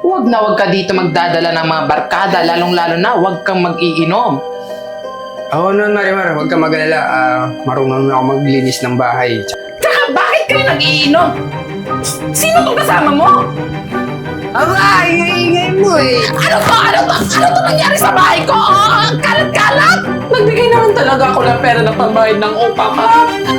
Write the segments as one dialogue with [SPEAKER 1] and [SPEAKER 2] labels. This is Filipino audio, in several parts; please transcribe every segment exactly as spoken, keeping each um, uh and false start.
[SPEAKER 1] Huwag na huwag ka dito magdadala ng mga barkada, lalong-lalo na huwag kang mag-iinom.
[SPEAKER 2] Oo naman, Marimar. Huwag ka mag-alala. Ah, marunong na ako maglinis ng bahay.
[SPEAKER 1] Tsaka bakit kayo nag-iinom? Sino tong kasama mo?
[SPEAKER 2] Aba, ingay-ingay mo eh.
[SPEAKER 1] Ano to? Ano to? Ano to nangyari sa bahay ko? Oh, ang kalat-kalat! Nagbigay naman talaga ako ng pera ng pambayad ng upa ka.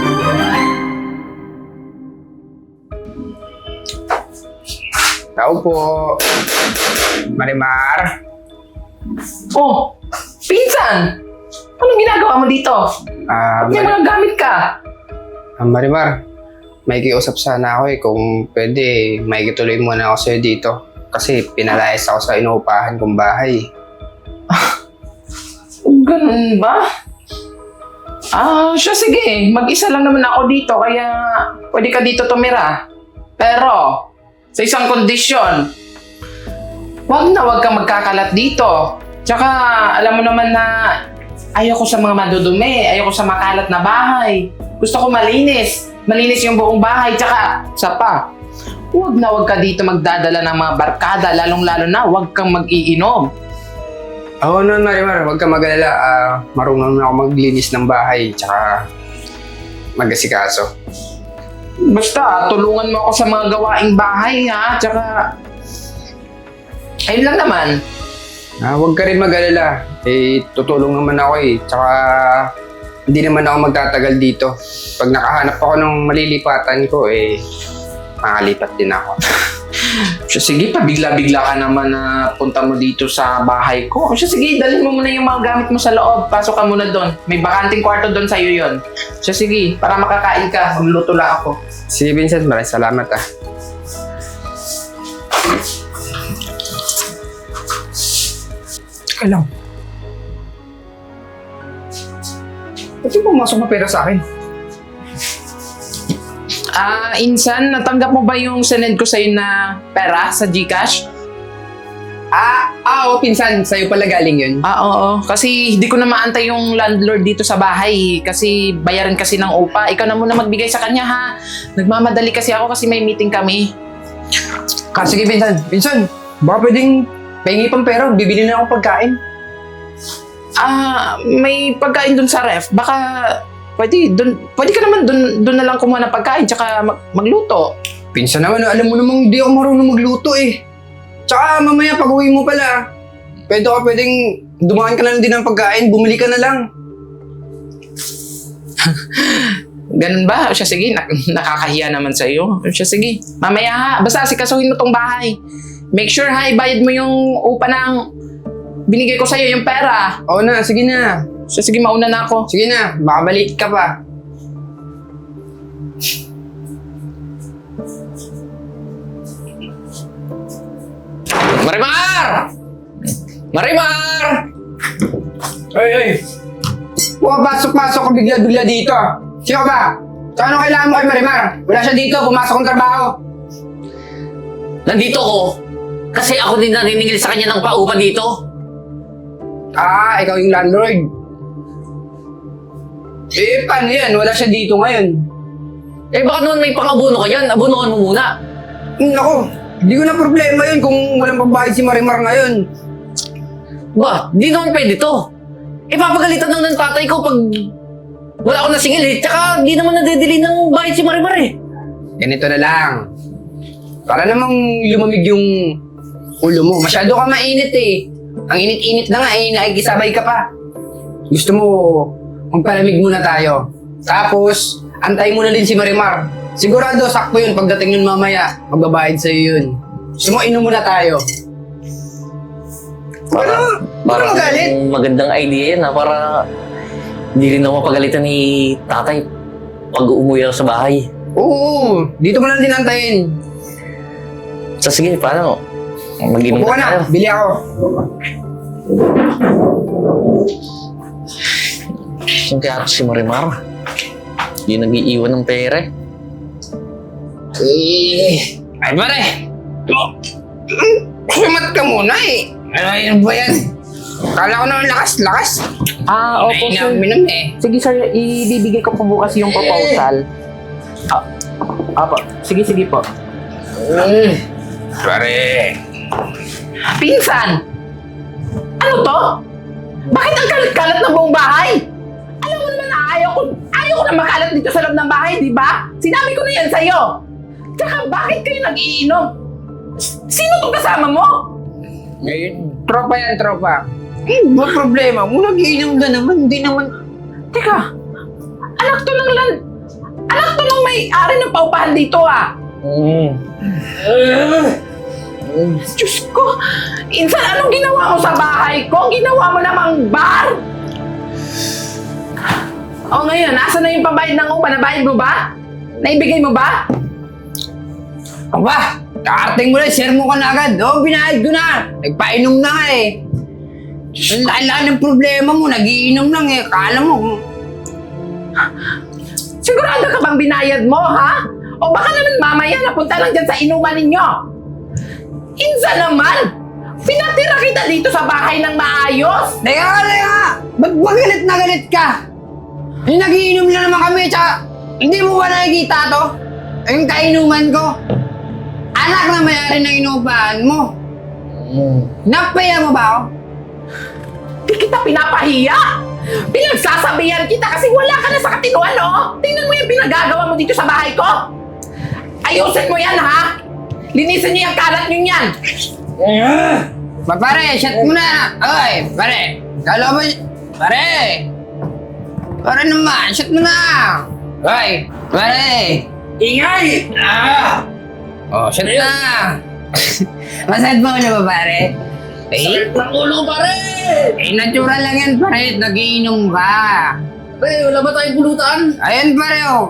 [SPEAKER 2] Tao po. Marimar.
[SPEAKER 1] Oh, pinsan! Anong ginagawa mo dito?
[SPEAKER 2] Ah,
[SPEAKER 1] May
[SPEAKER 2] Mar-
[SPEAKER 1] mga gamit ka.
[SPEAKER 2] ah, Marimar. May kiusap sana ako eh. Kung pwede, may kituloy muna ako sa'yo dito. Kasi pinalayas ako sa inuupahan kong bahay.
[SPEAKER 1] Ganun ba? Ah, siya sige. Mag-isa lang naman ako dito, kaya pwede ka dito tumira. Pero, sa isang kondisyon, wag na wag kang magkakalat dito. Tsaka, alam mo naman na ayoko sa mga madudumi, ayoko sa makalat na bahay. Gusto ko malinis. Malinis yung buong bahay. Tsaka, sa pa, wag na wag ka dito magdadala ng mga barkada, lalong-lalo na wag kang mag-iinom.
[SPEAKER 2] Oo naman, Marimar. Huwag ka mag-alala. Ah, marunong na ako maglinis ng bahay. Tsaka mag-asikaso.
[SPEAKER 1] Basta, tulungan mo ako sa mga gawaing bahay, ha? Tsaka, ayun lang naman.
[SPEAKER 2] Ah, huwag ka rin mag-alala. Eh, tutulong naman ako eh. Tsaka, hindi naman ako magtatagal dito. Pag nakahanap ako ng malilipatan ko, eh, makalipat din ako.
[SPEAKER 1] Siya, sige pa, bigla-bigla ka naman na punta mo dito sa bahay ko. Siya, sige, dalhin mo muna yung mga gamit mo sa loob. Pasok ka muna doon. May bakanting kwarto doon sa'yo yon. Siya, sige, para makakain ka, magluluto lang ako.
[SPEAKER 2] Sige, Vincent. Maraming salamat ah. Teka lang. Ba't yung pumasok na pera sa akin?
[SPEAKER 1] Ah, Insan, natanggap mo ba yung sinend ko sa'yo na pera sa GCash?
[SPEAKER 2] Ah, ah, oo, pinsan. Sa'yo pala galing yun.
[SPEAKER 1] Ah, oo. Kasi hindi ko na maantay yung landlord dito sa bahay. Kasi bayaran kasi ng upa. Ikaw na muna magbigay sa kanya, ha? Nagmamadali kasi ako kasi may meeting kami.
[SPEAKER 2] Ah, sige, pinsan. Pinsan, baka pwedeng pahingi pang pera. Bibili na akong pagkain.
[SPEAKER 1] Ah, may pagkain dun sa ref. Baka pwede, dun, pwede ka naman dun, dun na lang kumuha ng pagkain tsaka mag, magluto.
[SPEAKER 2] Pinsan naman, alam mo namang hindi ako marunong magluto eh. Tsaka mamaya pag uwi mo pala, pwede ka pwedeng dumaan ka na lang din ng pagkain, bumili ka na lang.
[SPEAKER 1] Ganun ba? O siya, sige, nak- nakakahiya naman sa'yo. O siya, sige, mamaya ha. Basta asikasuhin mo tong bahay. Make sure ha, ibayad mo yung upa ng binigay ko sa'yo, yung pera.
[SPEAKER 2] Oo na, sige na.
[SPEAKER 1] So, sige, mauna na ako.
[SPEAKER 2] Sige na, baka maliit ka pa. Marimar! Marimar! Ay, ay! Pumapasok-pasok ka bigla-bigla dito. Sino ba? Sa ano kailangan mo kay Marimar? Wala siya dito, pumasok ng trabaho.
[SPEAKER 3] Nandito ko kasi ako din naniningil sa kanya ng paupa dito.
[SPEAKER 2] Ah, ikaw yung landlord. Eh, paano yan? Wala siya dito ngayon.
[SPEAKER 3] Eh baka naman may pang-abuno ka dyan, abunuhan mo muna.
[SPEAKER 2] Hmm, Naku, hindi ko na problema yun kung walang pambayad si Marimar ngayon.
[SPEAKER 3] Ba, di naman pwede to. Eh papagalitan lang ng tatay ko pag wala ako nasingil eh. Tsaka di naman nadedeli ng bayad si Marimar eh.
[SPEAKER 2] Ganito na lang. Para namang lumamig yung ulo mo. Masyado ka mainit eh. Ang init-init na nga eh, nakikisabay ka pa. Gusto mo, magpalamig muna tayo. Tapos, antay mo na din si Marimar. Sigurado, sakto yun. Pagdating yun mamaya, magbabayad sa'yo yun. Gusto mo, inom muna tayo. Para, para magalit.
[SPEAKER 3] Magandang idea yan ha, para hindi rin ako mapagalitan ni tatay pag umuwi ako sa bahay.
[SPEAKER 2] Oo, dito mo na din antayin.
[SPEAKER 3] So sige, paano? Mag-inom
[SPEAKER 2] Upo ka
[SPEAKER 3] na tayo.
[SPEAKER 2] na, bili ako.
[SPEAKER 3] Saan kaya si Marimar? Hindi nag-iiwan ng pera eh.
[SPEAKER 2] Eh, ay pare. Sumat ka muna eh. Ano yun ba yan? Kala ko naman lakas-lakas.
[SPEAKER 1] Ah, opo, sir.
[SPEAKER 2] Minam eh.
[SPEAKER 1] Sige, sir, ibibigay ko po bukas yung proposal. Ah, apo. Sige, sige po.
[SPEAKER 2] Mm. Pare,
[SPEAKER 1] Pinsan! Ano to? Bakit ang kalat-kalat ng buong bahay? Alam mo naman na ayaw ko, ayaw ko na makalat dito sa loob ng bahay, di ba? Sinabi ko na yan sa'yo. Tsaka bakit kayo nag-iinom? Sino tong kasama mo?
[SPEAKER 2] Ngayon, tropa yan, tropa. Eh, ba problema mo? Nag-iinom na naman, hindi naman...
[SPEAKER 1] Teka, anak to ng lan... Anak to ng may-ari ng paupahan dito ah.
[SPEAKER 2] Mm.
[SPEAKER 1] Diyos ko, insan anong ginawa mo sa bahay ko? Ginawa mo namang bar? O ngayon, nasa na yung pambayad ng upa? Nabayad mo ba? Naibigay mo ba?
[SPEAKER 2] Aba, karating mo na, share mo ka na agad. Oo, binayad ko na. Nagpainom na nga eh. Ang laki-laki ng problema mo, nagiinom lang eh. Kala mo,
[SPEAKER 1] Sigurado ka bang binayad mo, ha? O baka naman mamaya napunta lang dyan sa inuman ninyo. Insa naman! Pinatira kita dito sa bahay ng maayos!
[SPEAKER 2] teka ka, teka! Ba't ba galit na galit ka? Yung nagiinom lang naman kami, tsaka hindi mo ba nakikita to? Yung kainuman ko? Anak na mayari ng inupahan mo. Napaya mo ba ako?
[SPEAKER 1] Di kita pinapahiya! Pinagsasabihan kita kasi wala ka na sa katinuan, no? Tingnan mo yung pinagagawa mo dito sa bahay ko! Ayusin mo yan, ha? Linisin niyo yung kalat niyo yan!
[SPEAKER 2] Ba, pare, shut mo na! Oy, pare! Kala mo, pare! Pare naman, shut mo na! Oy, pare! Ingay! Ah! Oh, shut na! Masad mo na ba, pare? Eh,
[SPEAKER 3] Ang ulo ko, pare!
[SPEAKER 2] eh, natural lang yan, pare. Nagiinom ka.
[SPEAKER 3] Pare, wala ba tayong pulutan?
[SPEAKER 2] Ayun, pare, oh.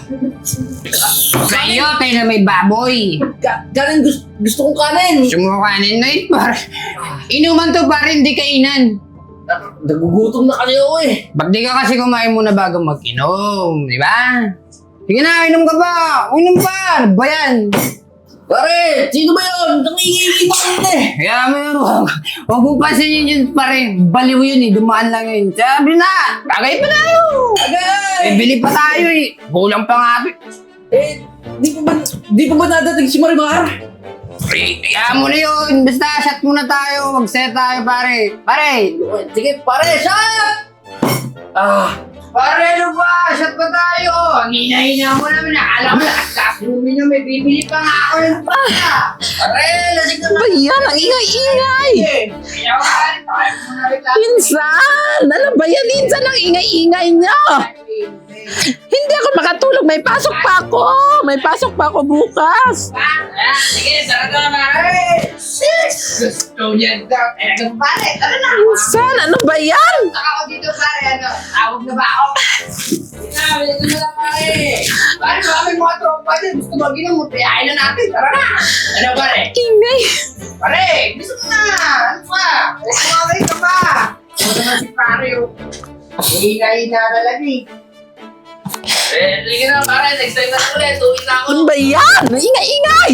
[SPEAKER 2] Sa iyo, tayo na may baboy.
[SPEAKER 3] Ka kanin, gusto, gusto kong kanin.
[SPEAKER 2] Sumukanin na yun, pare. Inuman to, pare, hindi kainan.
[SPEAKER 3] Nagugutom na kasi ako eh.
[SPEAKER 2] Ba't di ka kasi kumain muna bago mag-inom, di ba? Sige na, inom ka pa. Inom pa. Ano ba yan?
[SPEAKER 3] Pare, sino ba yun? Nangingi pa kanina eh.
[SPEAKER 2] Kaya mo yun, huwag, huwag mong pansinin yun, pare. Baliw yun eh, dumaan lang yun. Sabi na, tagay pa tayo. Eh,
[SPEAKER 3] Agay!
[SPEAKER 2] bili pa tayo eh. Kulang pa nga ito eh.
[SPEAKER 3] Eh, di pa ba, di pa ba nadating si Marimar?
[SPEAKER 2] Eh, kaya mo na yun. Basta, shot muna tayo. Mag-set tayo, pare. Pare!
[SPEAKER 3] Sige, pare, shot! Ah,
[SPEAKER 2] Pare, ano ba? Shot pa tayo. Ang hina-hina mo naman. Akala mo, lakas-lakas mo na may bibili pa nga ako ng pala. Pare, lasing na
[SPEAKER 1] Ba yan? Ang ingay-ingay!
[SPEAKER 2] Kaya pare, tayo muna rin lang.
[SPEAKER 1] Pinsan! Ano ba yan? Pinsan ang ingay-ingay niyo! Hindi ako makatulog. May pasok pa ako. May pasok pa ako bukas.
[SPEAKER 2] Ah, sige, sarap na pare. Six! Gusto niyan daw. Eh, nagang pare, tara na.
[SPEAKER 1] Pinsan, ano ba yan?
[SPEAKER 2] Ako dito, pare. Ano, tawag na ba ako? Sinabi, ito na lang, pare. Pare, baka may mga tropa din. Gusto mag-inom mo. Piyain na natin. Tara na. Ano, pare?
[SPEAKER 1] Ingay.
[SPEAKER 2] Pare, gusto mo na. Ano pa? Kumagay ka pa. Ano naman si pare, oh. Hingay na talaga, eh.
[SPEAKER 3] eh, sige na pare, next time na lang ulit. Uwi na ako.
[SPEAKER 1] Ano ba yan? Ang ingay-ingay!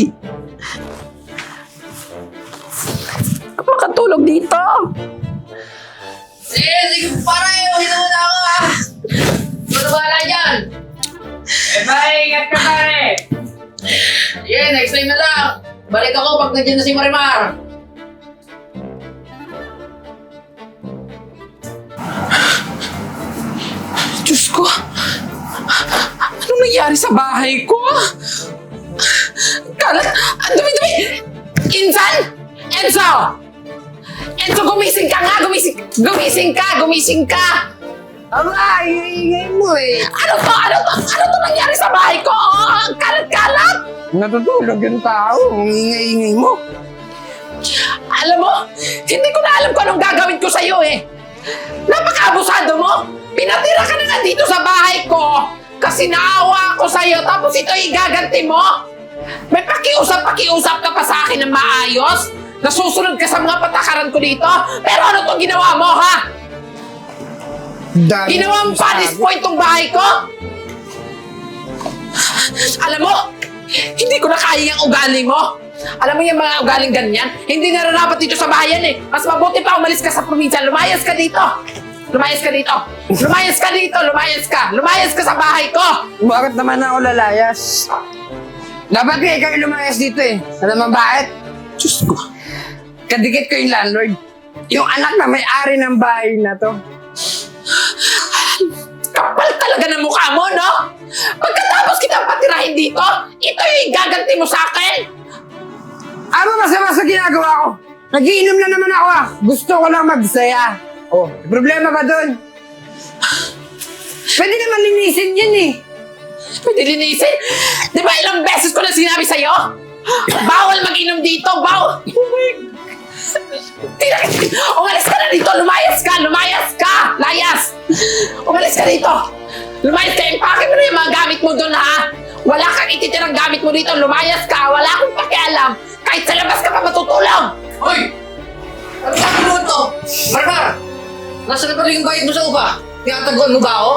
[SPEAKER 1] Ako makatulog dito.
[SPEAKER 3] Sige, sige pare, uwi na muna ako ah. Ano ba na dyan?
[SPEAKER 2] Eh, pare, ingat ka, pare.
[SPEAKER 3] Sige, next time na lang. Balik ako pag nandiyan na si Marimar.
[SPEAKER 1] Diyos ko. Anong nangyari sa bahay ko? Kalat. Ang dumi-dumi. Insan! Enzo! Enzo, gumising ka nga! Gumising, gumising ka! Gumising ka!
[SPEAKER 2] Aba, ingay mo, eh.
[SPEAKER 1] Ano to? Ano to? Ano to nangyari sa bahay ko? Oh, ang kalat-kalat!
[SPEAKER 2] Natutulog yung tao. Ang ingay-ingay mo.
[SPEAKER 1] Alam mo, hindi ko na alam kung anong gagawin ko sa'yo eh. Napaka-abusado mo! Pinatira ka na nga dito sa bahay ko kasi naawa ako sa'yo tapos ito igaganti mo? May pakiusap-pakiusap ka pa sa akin ng maayos? Nasusunod ka sa mga patakaran ko dito? Pero ano tong ginawa mo, ha?
[SPEAKER 2] Dami
[SPEAKER 1] Ginawa mo panis point tong bahay ko? Alam mo, hindi ko na kaya yung ugali mo. Alam mo yung mga ugaling ganyan? Hindi na dapat dito sa bayan eh. Mas mabuti pa umalis ka sa probinsya. Lumayas ka dito. Lumayas ka dito. Lumayas ka dito. Lumayas ka. Lumayas ka sa bahay ko.
[SPEAKER 2] Bakit naman ako lalayas? Dapat nga ikaw yung lumayas dito eh. Ano naman bakit?
[SPEAKER 1] Diyos ko.
[SPEAKER 2] Kadikit ko yung landlord. Yung anak na may-ari ng bahay na to.
[SPEAKER 1] Kapal talaga ng mukha mo, no? Pagkatapos kitang patirahin dito, ito yung gaganti mo sa akin.
[SPEAKER 2] Ano masama sa ginagawa ko? Nagiinom na naman ako ah. Gusto ko lang magsaya. Oh, may problema ba dun? Pwede naman linisin yan eh.
[SPEAKER 1] Pwede linisin. Di ba ilang beses ko na sinabi sa'yo? Bawal mag-inom dito, bawal. Tira, umalis ka na dito, lumayas ka, lumayas ka, layas. Umalis ka dito. Lumayas ka, impake mo na yung mga gamit mo doon, ha? Wala kang ititirang gamit mo dito, lumayas ka, wala akong pakialam. Kahit sa labas ka pa matutulog.
[SPEAKER 3] Hoy! Ano sabi mo ito? Marimar! Nasaan na pala yung bayad mo sa upa? Tinataguan mo ba ako?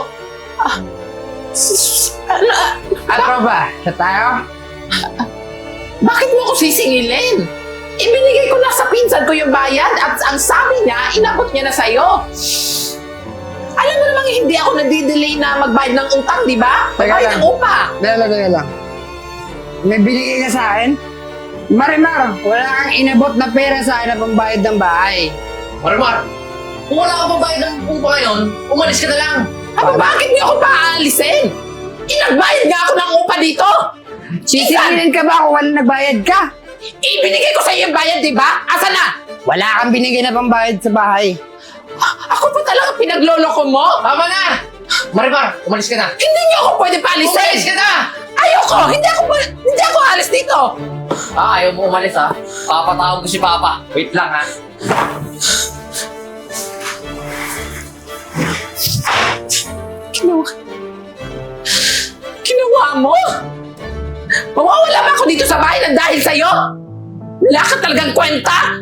[SPEAKER 1] Ano?
[SPEAKER 2] Ano ba? Sa tayo?
[SPEAKER 1] Bakit mo ako sisingilin? Ibinigay ko na sa pinsan ko yung bayad at ang sabi niya, inabot niya na sa'yo. Alam mo namang hindi ako nadidelay na magbayad ng utang, di ba?
[SPEAKER 2] Teka
[SPEAKER 1] Magbayad
[SPEAKER 2] lang.
[SPEAKER 1] ng upa.
[SPEAKER 2] Teka lang, teka lang. May binigay ka sa akin? Marimar, wala kang inabot na pera sa akin na pambayad ng bahay.
[SPEAKER 3] Marimar! Kung wala ka pang bayad ng upa ngayon, umalis ka na lang!
[SPEAKER 1] Aba, bakit niyo ako paalisin? Inagbayad nga ako ng upa dito.
[SPEAKER 2] Sisingilin ka ba kung wala nagbayad ka?
[SPEAKER 1] Ibinigay ko sa iyo yung bayad, di ba? Asa na?
[SPEAKER 2] Wala kang binigay na pambayad sa bahay.
[SPEAKER 1] Ako pa talaga pinagloloko mo?
[SPEAKER 3] Tama na! Marimar, umalis ka na!
[SPEAKER 1] Hindi niyo ako pwede paalisin.
[SPEAKER 3] Umalis ka na!
[SPEAKER 1] Ayoko! Hindi ako, hindi ako alis dito.
[SPEAKER 3] Ah, ayaw mo umalis ha? Papatawag ko si Papa. Wait lang ha?
[SPEAKER 1] Ginawa... Ginawa mo? Mawawala ba ako dito sa bahay na dahil sa'yo? Wala ka talagang kwenta?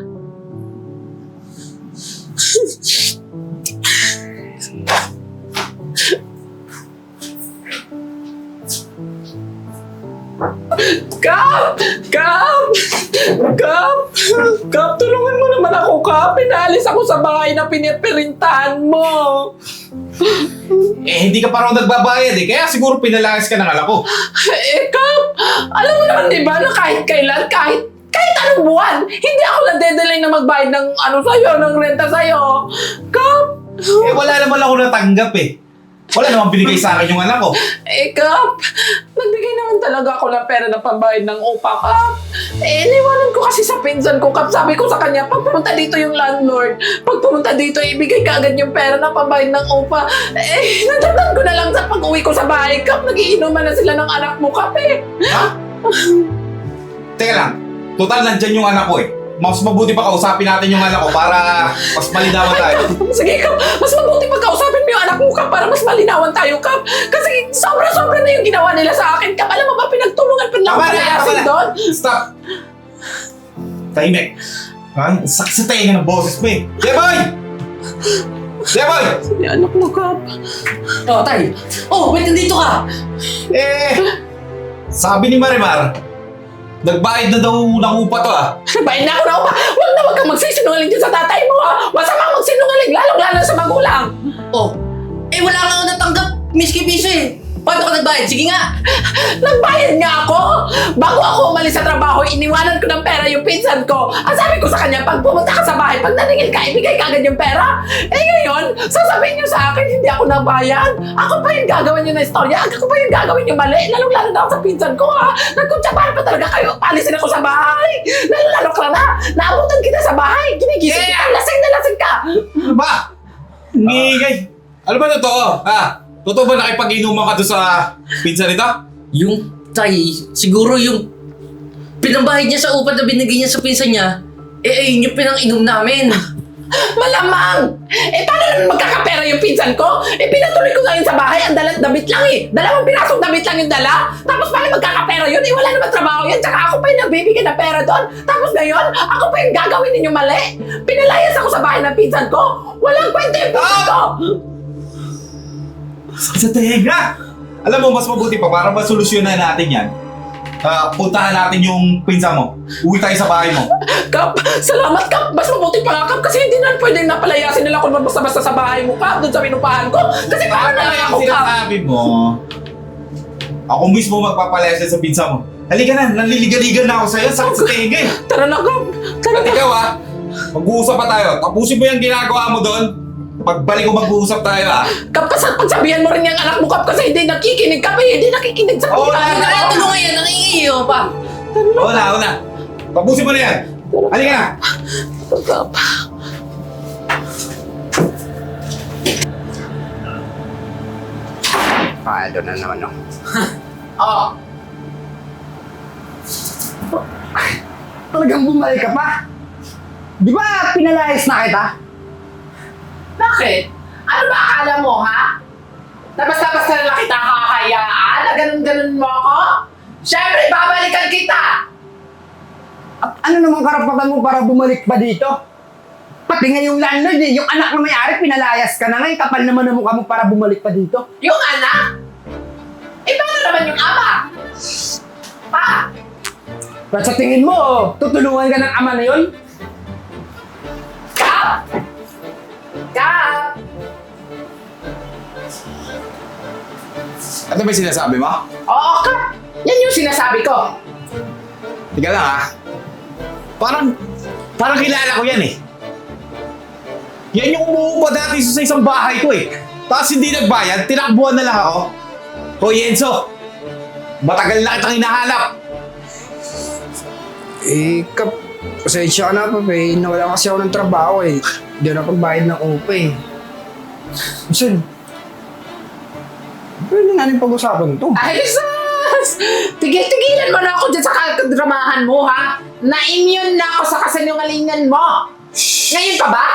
[SPEAKER 1] Kap! Kap! Kap! Kap, tulungan mo naman ako, Kap. Pinaalis ako sa bahay na pinipirintahan mo.
[SPEAKER 4] Eh, hindi ka pa raw nagbabayad eh. Kaya siguro pinalayas ka ng anak ko.
[SPEAKER 1] Eh, Kap, alam mo naman di ba na kahit kailan, kahit kahit anong buwan, hindi ako nadedelay na magbayad ng ano sa'yo, ng renta sa'yo. Kap!
[SPEAKER 4] Eh, wala naman ako natanggap eh. Wala naman binigay sa akin yung anak ko.
[SPEAKER 1] Eh, Kap, nagbigay naman talaga ako ng pera ng pambayad ng upa, Kap. Eh, iniwanan ko kasi sa pinsan ko, Kap. Sabi ko sa kanya, pag pumunta dito yung landlord, pag pumunta dito, ibigay ka agad yung pera ng pambayad ng upa. Eh, natatand ko na lang sa pag-uwi ko sa bahay, Kap. Nagiinuman na sila ng anak mo, Kap, eh.
[SPEAKER 4] Ha? Teka lang. Total, nandyan yung anak ko eh. Mas mabuti pa kausapin natin yung anak ko para mas malinawan tayo.
[SPEAKER 1] Sige, Kap. Mas mabuti pagkausapin mo yung anak mo, Kap, para mas malinawan tayo, Kap. Kasi sobra-sobra na yung ginawa nila sa akin, Kap. Alam mo ba, pinagtulungan pa lang
[SPEAKER 4] Tama
[SPEAKER 1] ako
[SPEAKER 4] na, tama
[SPEAKER 1] palayasin
[SPEAKER 4] na.
[SPEAKER 1] doon.
[SPEAKER 4] Stop! Tahimik. Ha? Sakit sa tayo ng boses mo eh. Jeboy! Jeboy!
[SPEAKER 1] Yung anak mo, Kap.
[SPEAKER 3] Oh, tay! Oh, wait, nandito ka!
[SPEAKER 4] Eh, sabi ni Marimar, nagbayad na daw ng upa to ah.
[SPEAKER 1] Bayan na ako na upa. Huwag na huwag kang magsisinungaling dyan sa tatay mo, ha. Masama magsinungaling, lalong-lalo sa magulang.
[SPEAKER 3] Oh, eh wala nga ako natanggap, miski piso eh. Paano ka nagbayad? Sige nga!
[SPEAKER 1] Nagbayad nga ako! Bago ako umalis sa trabaho, iniwanan ko ng pera yung pinsan ko. Ang sabi ko sa kanya, pag pumunta ka sa bahay, pag naningil ka, ibigay ka agad yung pera. Eh ngayon, sasabihin niyo sa akin, hindi ako nagbayad. Ako pa yung gagawin niyo na istorya. Ako pa yung gagawin niyo mali. Lalong-lalo na ako sa pinsan ko, ha. Nagkutsapaan pa talaga kayo. Palisin ako sa bahay. Lalong-lalo ka na. Naabutan kita sa bahay. Ginigising
[SPEAKER 4] Yeah.
[SPEAKER 1] kita. Lasing na lasing ka.
[SPEAKER 4] Ano ba? Ngigay. Ano ba totoo? Ha? Totoo ba nakipag-inuman ka doon sa pinsan nito?
[SPEAKER 3] Yung tay, siguro yung pinambayad niya sa upa na binigay niya sa pinsan niya, eh ayun yung pinang-inom namin.
[SPEAKER 1] Malamang! Eh, paano naman magkakapera yung pinsan ko? Eh, pinatuloy ko ngayon sa bahay, ang dalat damit lang eh. Dalawang pirasong damit lang yung dala. Tapos paano magkakapera yun? Eh, wala naman trabaho yan. Tsaka ako pa yung nagbibigay ng pera doon. Tapos ngayon, ako pa yung gagawin ninyo mali. Pinalayas ako sa bahay ng pinsan ko. Walang kwenta yung pinsan ko!
[SPEAKER 4] Sa tenga! Alam mo, mas mabuti pa para masolusyonan natin yan. Ah, puntahan natin yung pinsan mo. Uwi tayo sa bahay mo.
[SPEAKER 1] Kap, salamat Kap. Mas mabuti pa nga Kap kasi hindi na pwedeng napalayasin nila kung basta-basta sa bahay mo Kap. Doon sa pinupahan ko. Kasi paano na lang ako Kap?
[SPEAKER 4] Sinasabi mo, ako mismo magpapalayas sa pinsan mo. Halika na, nanliliga-liga na ako sa'yo. Sakit sa tenga eh.
[SPEAKER 1] Tara na, Kap. Tara
[SPEAKER 4] At
[SPEAKER 1] na.
[SPEAKER 4] ikaw ah, mag-uusap pa tayo. Tapusin mo yung ginagawa mo doon. Pagbalik ko mag-uusap tayo ah.
[SPEAKER 1] Kap, pas- pagsabihan mo rin yung anak mo, Kap, kasi hindi nakikinig, Kap, eh. Hindi nakikinig sa
[SPEAKER 4] Oo,
[SPEAKER 1] pinag-
[SPEAKER 4] na-
[SPEAKER 3] Kaya tulungan yan, nangingiyo pa.
[SPEAKER 4] Oo na, oo na. Tapusin mo na yan. Halika na.
[SPEAKER 1] Kap.
[SPEAKER 2] Palo na naman, no?
[SPEAKER 1] Oh,
[SPEAKER 2] Talagang bumalik ka pa? Di ba pinalayas na kita?
[SPEAKER 1] bakit? Ano ba akala mo, ha? Na basta-basta na lang kita kakayaan? Na ganun-ganun mo ako? Siyempre, babalikan kita!
[SPEAKER 2] At ano namang karapatan mo para bumalik pa dito? Pati nga yung landlord eh, yung anak na may-ari, pinalayas ka na ngayon, kapal naman ang mukha mo para bumalik pa dito.
[SPEAKER 1] Yung anak? Eh, paano naman yung ama? Pa?
[SPEAKER 2] Pero sa tingin mo, oh, tutulungan ka ng ama na yun?
[SPEAKER 1] Kap! Kap!
[SPEAKER 4] Ano ba yung sinasabi mo?
[SPEAKER 1] Oo, Kap! Yan yung sinasabi ko.
[SPEAKER 4] Tika lang ah. Parang, parang kilala ko yan eh. Yan yung umuupa dati sa isang bahay ko eh. Tapos hindi nagbayad, tinakbuhan na lang ako. Hoy Enzo, matagal na kitang hinahanap.
[SPEAKER 2] Eh, kap, pasensya ka na pa, eh. Nawala kasi ako ng trabaho eh. Hindi na pagbayad ng O P A eh. Saan? Pwede nga rin pag-usapan to.
[SPEAKER 1] Ay, sus! Tigil-tigilan mo na ako dyan sa kadramahan mo, ha? Na-immune na ako sa kasinungalingan mo. Ngayon pa ba?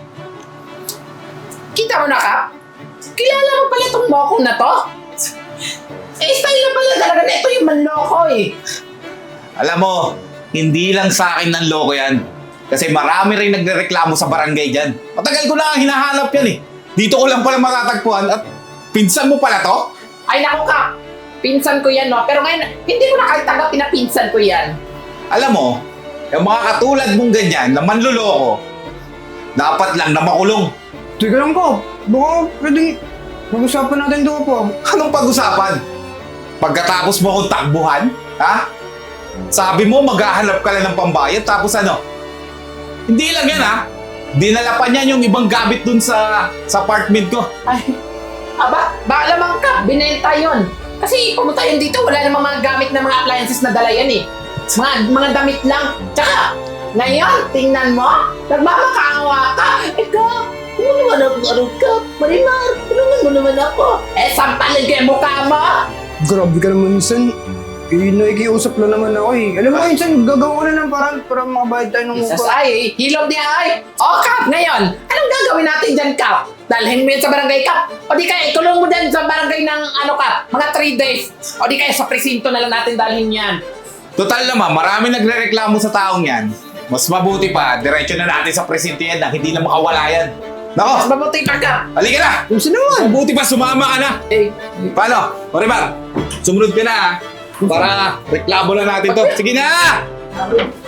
[SPEAKER 1] Kita mo na, Kap? Kilala mo pala itong moko na to? Eh, style na pala talaga na ito yung manloko eh.
[SPEAKER 4] Alam mo, hindi lang sa akin ng loko yan. Kasi marami rin nagrereklamo sa barangay dyan. Matagal ko na ang hinahanap yan eh. Dito ko lang pala matatagpuan at pinsan mo pala to?
[SPEAKER 1] Ay, naku, Kap. Pinsan ko yan, no? Pero ngayon, hindi mo na kahit tanggapin na pinsan ko yan.
[SPEAKER 4] Alam mo, yung mga katulad mong ganyan na manluloko, dapat lang na makulong.
[SPEAKER 2] Teka lang ko, baka pwedeng pag-usapan natin doon po.
[SPEAKER 4] Anong pag-usapan? Pagkatapos mo akong takbuhan? Ha? Sabi mo maghahanap ka lang ng pambayad tapos ano? Hindi lang yan ha. Dinala pa niyan yung ibang gamit dun sa, sa apartment ko.
[SPEAKER 1] Ay, aba, baka lamang, Kap. Binenta yun. Kasi pumunta yun dito, wala namang mga gamit na mga appliances na dala yan eh. Mga, mga damit lang. Tsaka, ngayon, tingnan mo, nagmamakaawa ka. Eh, Kap, tulungan mo naman ako, Kap. Marimar, tulungan mo naman ako. Eh, sampalin ko yung mukha mo.
[SPEAKER 2] Grabe ka naman, Insan. Eh, nakikiusap lang naman ako eh. Alam mo, Insan, gagawa ko na ng paraan para makabayad tayo ng
[SPEAKER 1] Jesus,
[SPEAKER 2] upa.
[SPEAKER 1] ay, hilog niya ay. O, Kap, ngayon, anong gagawin natin dyan, Kap? Dalhin mo yan sa barangay, Kap. O di kaya, ikulong mo dyan sa barangay ng, ano, Kap, mga three days. O di kaya, sa presinto na lang natin dalhin yan.
[SPEAKER 4] Total naman, marami nagrereklamo sa taong yan. Mas mabuti pa, diretso na natin sa presinto yan na hindi na makawala yan.
[SPEAKER 1] Mas
[SPEAKER 4] Nako,
[SPEAKER 1] mabuti pa, Kap.
[SPEAKER 4] halika na!
[SPEAKER 2] Insan naman.
[SPEAKER 4] Mabuti pa, sumama ka na!
[SPEAKER 1] Eh,
[SPEAKER 4] Paano? Maribar, sumunod ka na ha. Para reklamo na natin to. Sige na!